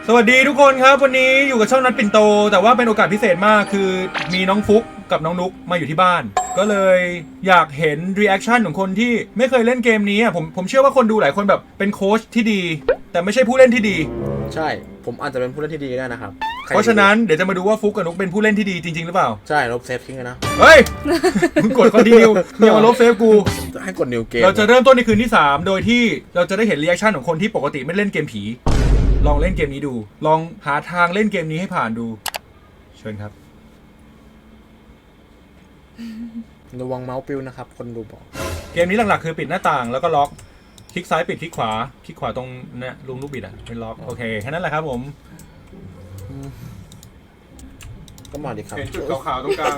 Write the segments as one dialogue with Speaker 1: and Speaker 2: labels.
Speaker 1: สวัสดีทุกคนครับวันนี้อยู่กับช่องนัดปิ่นโตแต่ว่าเป็นโอกาสพิเศษมากคือมีน้องฟุกกับน้องนุกมาอยู่ที่บ้านก็เลยอยากเห็นรีแอคชั่นของคนที่ไม่เคยเล่นเกมนี้อ่ะผมเชื่อว่าคนดูหลายคนแบบเป็นโค้ชที่ดี แต่ไม่ใช่ผู้เล่นที่ดี
Speaker 2: ใช่ผมอาจจะเป็นผู้เล่นที่ดีได้นะครับ
Speaker 1: เพราะฉะนั้นเดี๋ยวจะมาดูว่าฟุกกับนุกเป็นผู้เล่นที่ดีจริงๆหรือเปล่า
Speaker 2: ใช่ลบเซฟทิ้งเลยนะ
Speaker 1: เฮ้ยมึงกดคอนติเนียอย่ามาลบเซฟกู
Speaker 2: ให้กดนิวเกม
Speaker 1: เราจะเริ่มต้นในคืนที่3โดยที่เราจะได้เห็นรีแอคชั่นของคนที่ปกติไม่เล่นเกมผีลองเล่นเกมนี้ดูลองหาทางเล่นเกมนี้ให้ผ่านดูเชิญครับ
Speaker 2: ระวังเมาส์ปิวนะครับคนดูบอก
Speaker 1: เกมนี้หลักๆคือปิดหน้าต่างแล้วก็ล็อกคลิกซ้ายปิดคลิกขวาตรงเนี่ยลุงลูกบิดอ่ะเป็นล็อกโอเคแค่นั้นแหละครับผม
Speaker 2: ก็มาดิครับ
Speaker 1: เห็นจุดขาวๆตรงกลาง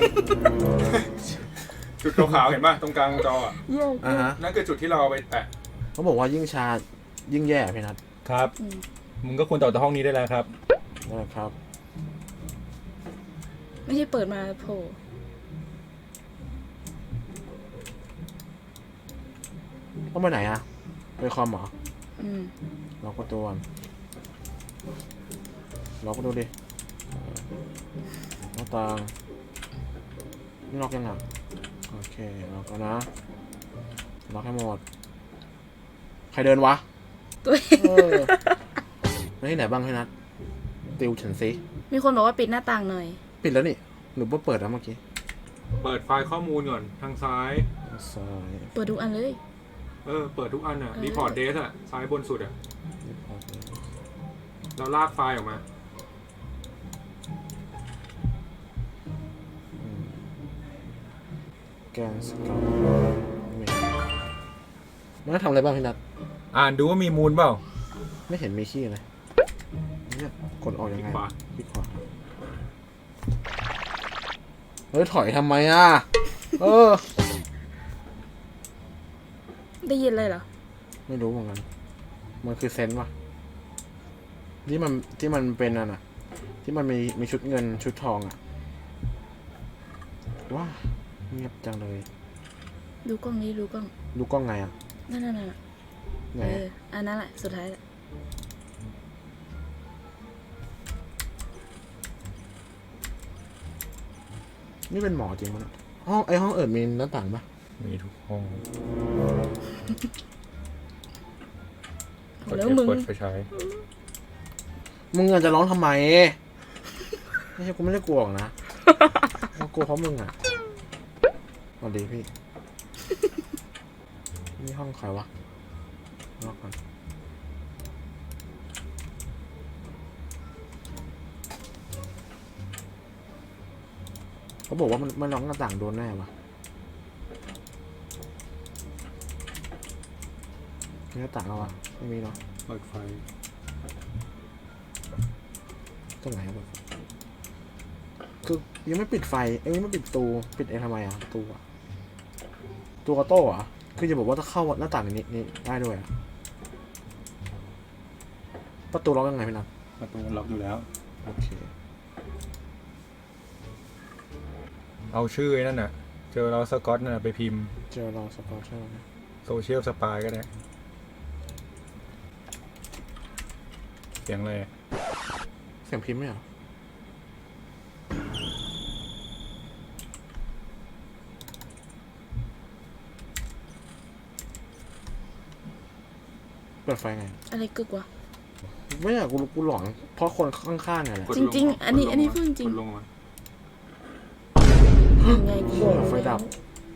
Speaker 1: จุดขาวๆเห็นป่ะตรงกลางจออ่ะนั่นคือจุดที่เราเอาไปแตะ
Speaker 2: เขาบอกว่ายิ่งชายิ่งแย่พี่นัท
Speaker 1: ครับมึงก็ควรต่อจากห้องนี้ได้แล้วครับ
Speaker 2: ได้ครับ
Speaker 3: ไม่ใช่เปิดมาโผล่
Speaker 2: ต้องไปไหนอะไปคอมเหรอล็อกประตูก่อนล็อกประตูดิหน้าต่างนี่ล็อกยังไงโอเคล็อกแล้วนะล็อกให้หมดใครเดินวะ
Speaker 3: ตัว
Speaker 2: ไม่ที่ไหนบ้างพี่นัทติวฉันซิ
Speaker 3: มีคนบอกว่าปิดหน้าต่างหน่อย
Speaker 2: ปิดแล้วนี่หนูเปิดแล้วเมื่อกี้
Speaker 1: เปิดไฟล์ข้อมูลก่อนทางซ้าย
Speaker 3: เปิดทุกอันเลย
Speaker 1: เปิดทุกอันอ่ะรีพอร์ตเดสอ่ะซ้ายบนสุดอ่ะเราลากไฟล์ออกมา
Speaker 2: แกนสเกลมันทำอะไรบ้างพี่นัท
Speaker 1: อ่านดูว่ามีมูลเปล่า
Speaker 2: ไม่เห็นมีขี้เลยเนี่ยกดออกยังไงคลิกขวาเฮ้ยถอยทำไมอ่ะ
Speaker 3: ได้ยินเลยเหรอ
Speaker 2: ไม่รู้เหมือนกันมันคือเซนส์วะที่มันเป็นอ่ะที่มันมีชุดเงินชุดทองอ่ะว้าเงียบจังเลย
Speaker 3: ดูกล้องนี้ดูกล้อง
Speaker 2: ดูกล้องไงอ่ะ
Speaker 3: นั่นอันนั้นแหละสุดท้ายแหละ
Speaker 2: นี่เป็นหมอจริงมั้ยห้องมีหน้าต่างปะ
Speaker 1: มีทุกห้อง
Speaker 3: แล้วมึง
Speaker 1: ไปใช้
Speaker 2: มึงจะร้องทำไมไม่ใช่กูไม่ได้กลัวนะกูกลัวเพราะมึงอ่ะสวัสดีพี่นี่ห้องใครวะล็อกกันเขาบอกว่ามันล็อกหน้าต่างโดนแน่วะมีหน้าต่างแล้ววะไม่มีเนาะ
Speaker 1: เปิดไฟ
Speaker 2: ตรงไหนครับคือยังไม่ปิดไฟยังไม่ปิดประตูปิดทำไมอ่ะประตูอ่ะตัวกระโต้อ่ะคือจะบอกว่าถ้าเข้าหน้าต่างนี้ได้ด้วยอ่ะประตูล็อกยังไงพี่นัท
Speaker 1: ประตูล็อกอยู่แล้ว
Speaker 2: โอเค
Speaker 1: เอาชื่อนั่นน่ะเจอเราสกอตน่ะไปพิมพ์
Speaker 2: เจอเราสกอตใช่ไหม
Speaker 1: โซเชียลสปายก็ได้เสียงอะไร
Speaker 2: เสียงพิมพ์ไหมเหรอเปิดไฟไง
Speaker 3: อะไรกึกวะ
Speaker 2: ไม่อยากกูหลอนเพราะคนข้างๆไงแหละ
Speaker 3: จริงๆอันนี้พูดจริงไง
Speaker 2: ไฟดับ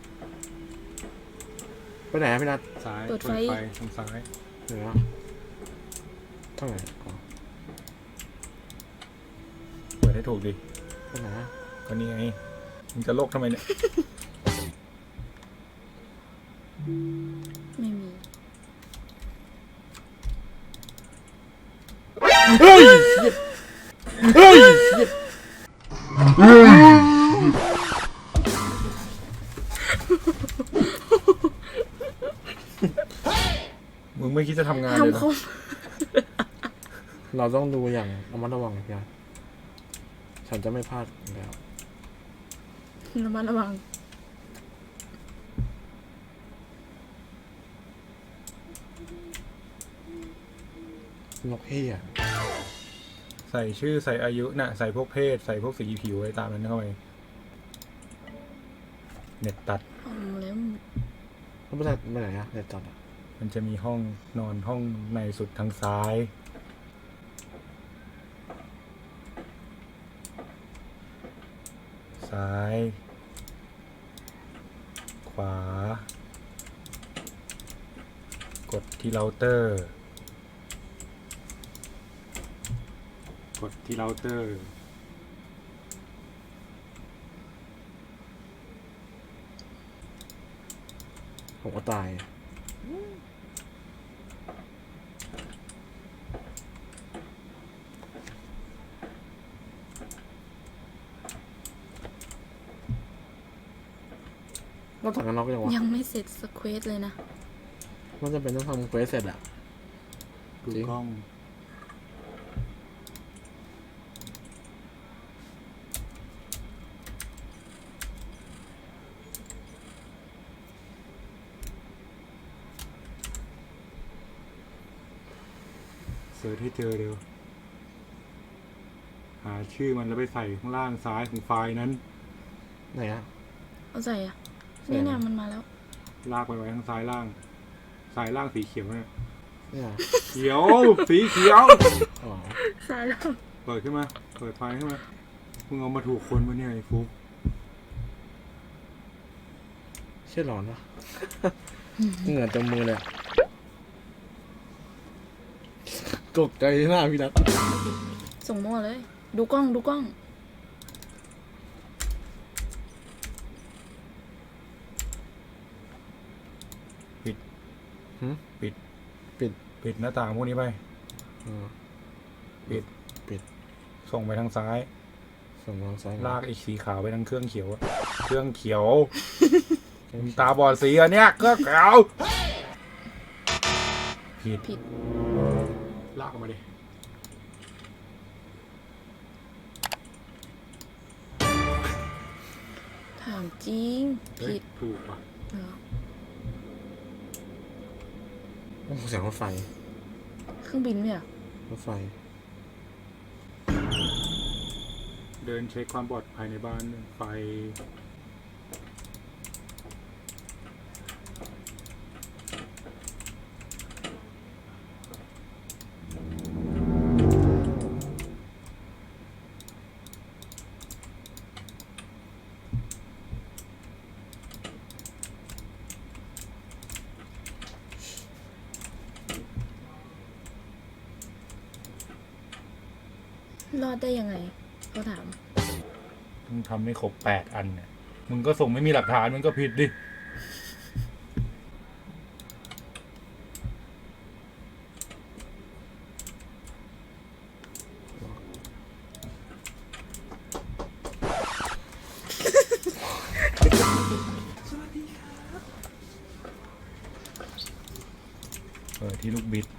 Speaker 2: ไปไหนพี่นัท
Speaker 1: ซ้ายเปิดไฟทางซ้าย
Speaker 2: เหนือทางไหน
Speaker 1: เปิดให้ถูกดิ
Speaker 2: ไปไหน
Speaker 1: ก็นี่ไงมึงจะโลกทำไมเนี่ย
Speaker 3: ไม่มี
Speaker 2: เฮ้ย
Speaker 1: มึงไม่คิดจะทำงานเลยนะ
Speaker 2: เราต้องดูอย่างระมัดระวังนะฉันจะไม่พลาดแล้ว
Speaker 3: ระมัดระวัง
Speaker 2: นกเฮีย
Speaker 1: ใส่ชื่อใส่อายุน่ะใส่พวกเพศใส่พวกสีผิวอะไรตามนั้นเข้าไปเน็ตตัด
Speaker 3: เอาแล้ว
Speaker 2: แล้วไปไหนอะเน็ตตัดอะ
Speaker 1: มันจะมีห้องนอนห้องในสุดทางซ้าย ซ้าย ขวา กดที่เราเตอร์ กดที่เราเตอร์
Speaker 2: ผมก็ตายนอกจากนั้นเราก็ยังวะ
Speaker 3: ยังไม่เสร็จสเควสเลยนะ
Speaker 2: มันจะเป็นต้องทำเควสเสร็จอะ
Speaker 1: ดู
Speaker 2: จริง
Speaker 1: กล้อง เสิร์ชให้เจอเร็ว หาชื่อมันแล้วไปใส่ข้างล่างซ้ายของไฟล์นั้น
Speaker 2: ไหนอะ
Speaker 3: เอาใส่อะ
Speaker 2: ใส่
Speaker 3: นี่
Speaker 2: อะไร
Speaker 3: เนี่ยมันมาแล้ว
Speaker 1: ลากไปไว้ทางซ้ายล่าง ซ้ายล่างสีเขียวเนี่ย
Speaker 2: เนี่ย
Speaker 1: เขียว สีเขียว
Speaker 2: อ๋อ
Speaker 3: ใส่แล้ว
Speaker 1: เปิดขึ้นมา เปิดไฟล์ขึ้นมา มึงเอามาถูกคนมาเนี่ยไอ้ฟุก
Speaker 2: เชี่ยร้อนวะ เหงื่อเต็มมือเลยอะตกใจหน้าพี่นัท
Speaker 3: ส่งมั่วเลย ดูกล้องดูกล้อง
Speaker 2: หืม
Speaker 1: ปิด
Speaker 2: ปิด
Speaker 1: ปิดหน้าต่างพวกนี้ไป
Speaker 2: อ๋อ
Speaker 1: ปิด
Speaker 2: ปิด
Speaker 1: ส่งไปทางซ้าย
Speaker 2: ส่งทางซ้าย
Speaker 1: ลากไอ้สีขาวไปทางเครื่องเขียวอะเครื่องเขียว มึงตาบอดสีอันเนี้ยเครื่องขาวผิด
Speaker 3: ผิด
Speaker 1: ลากออกมาดิ
Speaker 3: ถามจริง
Speaker 1: เฮ้ย
Speaker 3: ผิด
Speaker 1: ถูกป่ะ
Speaker 3: เหรอ
Speaker 2: โอ้โหเสียงรถไฟ
Speaker 3: เครื่องบินเนี่ย
Speaker 2: รถไฟ
Speaker 1: เดินเช็คความปลอดภัยในบ้านไฟ
Speaker 3: รอดได้ยังไงเขาถาม
Speaker 1: มึงทำไม่ครบ8 อันเนี่ย มึงก็ส่งไม่มีหลักฐานมึงก็ผิดดิ เปิดที่ลูกบิด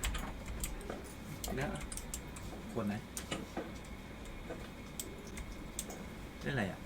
Speaker 4: แล้วขวดไหนเล่นอะไรอ่ะ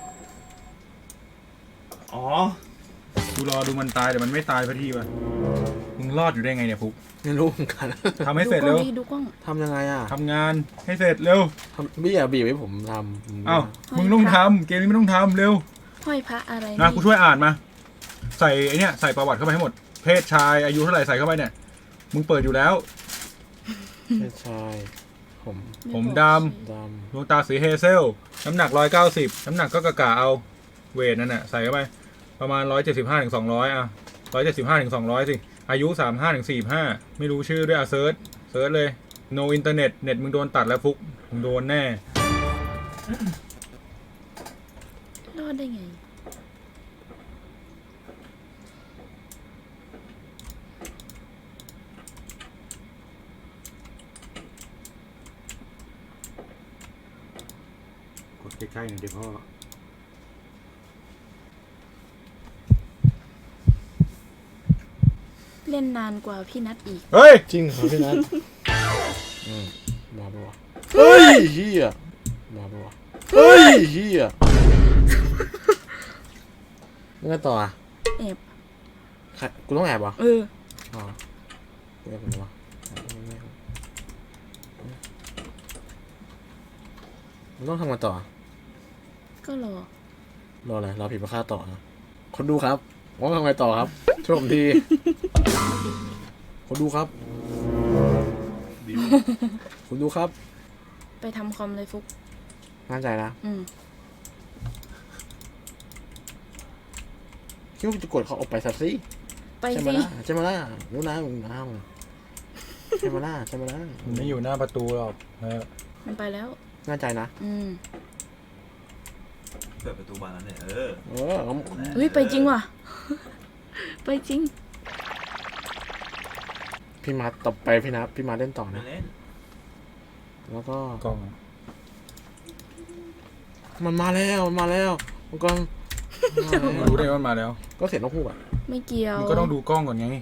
Speaker 4: อ๋อ
Speaker 1: กูรอดูมันตายแต่มันไม่ตายพอทีว่ะ มึงรอดอยู่ได้ไงเนี่ยฟุก
Speaker 2: ไม่รู้เหมือนกัน
Speaker 1: ทำให้
Speaker 3: ดู
Speaker 1: เสร็จ
Speaker 3: กล้
Speaker 1: เร็
Speaker 3: อง
Speaker 1: ว
Speaker 3: ดิดูกล้อง
Speaker 2: ทำยังไงอ่ะ
Speaker 1: ทำงานให้เสร็จเร็ว
Speaker 2: พี่อย่าบีบให้ผมทำผม
Speaker 1: เอ้า มึงต้องทำเกมนี้ไม่ต้องทำเร็ว
Speaker 3: ห้อยพระอะไร
Speaker 1: นะกูช่วยอ่านมา ใส่ไอเนี้ยใส่ประวัติเข้าไปให้หมด เพศชายอายุเท่าไหร่ใส่เข้าไปเนี่ย มึงเปิดอยู่แล้ว
Speaker 2: ไม่ใช่ผม
Speaker 3: ไ
Speaker 1: ผม
Speaker 3: บอก
Speaker 1: ด
Speaker 2: ด
Speaker 1: ดวงตาสีเฮเซล น้ำหนัก190น้ำหนักก็กะเอา เวทนั่นน่ะใส่เข้าไป ประมาณ175ถึง200อ่ะ175ถึง200สิ อายุ35ถึง45ไม่รู้ชื่อด้วยอ่ะเซิร์ชเลย no internet เน็ตมึงโดนตัดแล้วฟุก มึงโดนแน่
Speaker 3: รอดได้ไง
Speaker 1: กดใกล้ๆหน่อยเดี๋ยวพ่อ
Speaker 3: เล่นนานกว่าพี่นัทอีก
Speaker 1: เฮ้ย
Speaker 2: ำจริงเหรอพี่นัทมาปะวะเฮ้ยเฮียมาปะวะเฮ้ยเฮียแล้วไงต่ออ่ะ
Speaker 3: แอบ
Speaker 2: ใครกูต้องแอบเหรอ
Speaker 3: เออ
Speaker 2: อ๋อแอบผมวะมันต้องทำกันต่อ
Speaker 3: ก็รอ
Speaker 2: รออะไรรอผีมาฆ่าต่อนะคนดูครับว่าทำไงต่อครับช่วยผมที คนดูครับคุณดูครับ
Speaker 3: ไปทำคอมเลยฟุก
Speaker 2: มั่นใจนะ
Speaker 3: อืม
Speaker 2: คิดว่าจะกดเขาออกไปสักสิ
Speaker 3: ไป
Speaker 2: ใช่ไหม
Speaker 3: สิ
Speaker 2: ล่ะใช่ไหมล่ะรู้นะมึงน้าใช่ไหมล่ะใช่ไหมล่ะ
Speaker 1: มันไม่อยู่หน้าประตูหรอก
Speaker 3: มันไปแล้ว
Speaker 2: มั่นใจนะ
Speaker 3: อืม
Speaker 4: เปิดประตูบานแล้วเนี่ย
Speaker 2: เออ
Speaker 3: เฮ้ยไปจริงว่ะ ไปจริง
Speaker 2: พี่มาต่อไปพี่มาเล่นต่อ
Speaker 4: ไม่
Speaker 2: นะ
Speaker 4: เล่น
Speaker 2: แล้วก็
Speaker 1: กล้อง
Speaker 2: มันมาแล้วมันมาแล้วมันก็
Speaker 1: มันรู้ได้ว่ามันมาแล้ว
Speaker 2: ก็เสียงนกฮูกอ่ะ
Speaker 3: ไม่เกี่ยว
Speaker 1: มันก็ต้องดูกล้องก่อนไง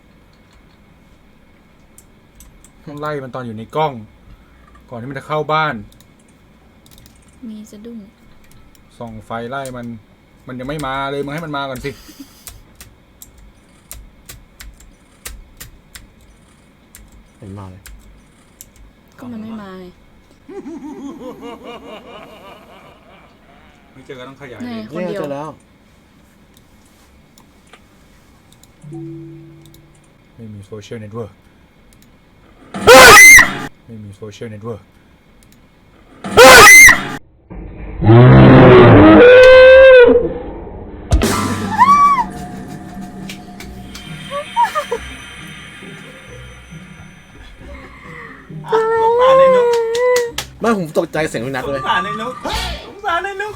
Speaker 1: ต้องไล่มันตอนอยู่ในกล้อง ก่อนที่มันจะเข้าบ้าน
Speaker 3: มีสะดุ้ง
Speaker 1: ส่องไฟไล่มันยังไม่มาเลยมึงให้มันมาก่อนสิ
Speaker 2: เห็นมาเลย
Speaker 3: ก็มันไม่มาไง
Speaker 1: ไม่เจอก็ต้องขยาย
Speaker 3: ไหน
Speaker 1: ดิ
Speaker 3: คนเดียว
Speaker 2: เจอแล้ว
Speaker 1: ไม่มีโซเชียลเน็ตเวิร์กไม่มีโซเชียลเน็ตเวิร์ก
Speaker 4: สงสารในนุก
Speaker 2: ไม่ผมตกใจเสียงพี่นัท
Speaker 4: ส
Speaker 2: เล
Speaker 4: ง
Speaker 2: ย
Speaker 4: สารในนุกสงสารในนุก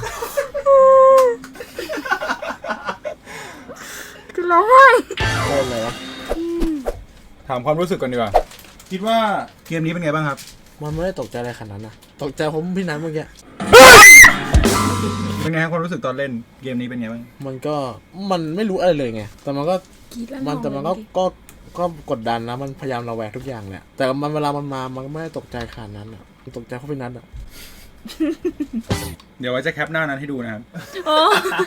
Speaker 3: จะร้องไห้
Speaker 2: โคตรเลยวะ
Speaker 1: ถามความรู้สึกก่อนดีกว่า คิดว่าเกมนี้เป็นไงบ้างครับ
Speaker 2: มันไม่ได้ตกใจอะไรขนาดนั้นนะตกใจผมพี่นัทเมื่อกี้
Speaker 1: เป็นไงครับความรู้สึกตอนเล่นเกมนี้เป็นไงบ้าง
Speaker 2: มันไม่รู้อะไรเลยไงแต่มันก็
Speaker 3: กรีดแล้ว
Speaker 2: แต่มันก็กดดันนะมันพยายามระแวงทุกอย่างแหละแต่มันเวลามันมามันก็ไม่ได้ตกใจขนาดนั้นอ่ะมันตกใจเพราะพี่นัทอ่ะ
Speaker 1: เดี๋ยวไว้จะแคปหน้านั้นให้ดูนะครับ
Speaker 3: โอ้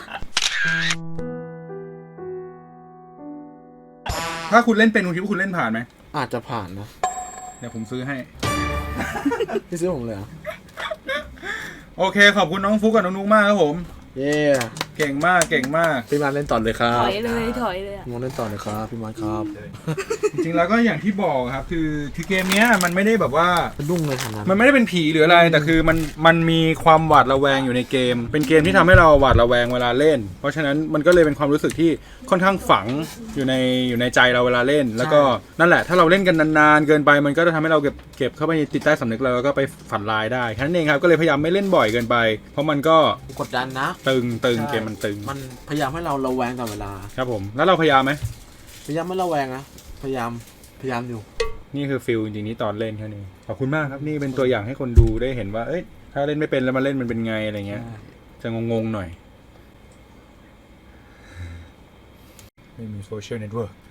Speaker 1: ถ้าคุณเล่นเป็นคุณคิดว่าคุณเล่นผ่านไหม
Speaker 2: อาจจะผ่านนะ
Speaker 1: เดี๋ยวผมซื้อให้
Speaker 2: พี่ซื้อผมเลยเหรอ
Speaker 1: โอเค ขอบคุณน้องฟุกกับน้องนุ๊กมากครับผม
Speaker 2: เย้
Speaker 1: เก่งมากเก่งมาก
Speaker 2: พี่มาเล่นต่อเลยครั
Speaker 3: ถ
Speaker 2: บ
Speaker 3: อยเลยถอยเลยอะ
Speaker 2: พี่มาเล่นต่อเลยครับพี่มาครับ
Speaker 1: จริงๆแล้วก็อย่างที่บอกครับคือเกมเนี้ยมันไม่ได้แบบว่า
Speaker 2: มันดุ้งเลยขนาดนั้น
Speaker 1: มันไม่ได้เป็นผีหรืออะไร แต่คือมันมีความหวาดระแวงอยู่ในเกม เป็นเกมที่ทำให้เราหวาดระแวงเวลาเล่น เพราะฉะนั้นมันก็เลยเป็นความรู้สึกที่ค่อนข้างฝังอยู่ในใจเราเวลาเล่น แล้วก็นั่นแหละถ้าเราเล่นกันนานๆเกินไปมันก็จะทำให้เราเก็บเข้าไปในจิตใต้สำนึกเราแล้วก็ไปฝันร้ายได้แค่นั้นเองครับก็เลยพยายามไม่เล่นบ่อยเกินไป เพราะมันก็
Speaker 2: กดดันนะ
Speaker 1: ตึง
Speaker 2: ใช่
Speaker 1: เกมมันตึง
Speaker 2: มันพยายามให้เราระแวงตลอดเวลา
Speaker 1: ครับผมแล้วเราพยายามไหม
Speaker 2: พยายามไม่ระแวงนะพยายามอยู่
Speaker 1: นี่คือฟิลจริงๆนี่ตอนเล่นแค่นี้ขอบคุณมากครับนี่เป็นตัวอย่างให้คนดูได้เห็นว่าเอ้ยถ้าเล่นไม่เป็นแล้วมาเล่นมันเป็นไงอะไรเงี้ยจะงงๆหน่อยไม่มีโซเชียลเน็ตเวิร์ก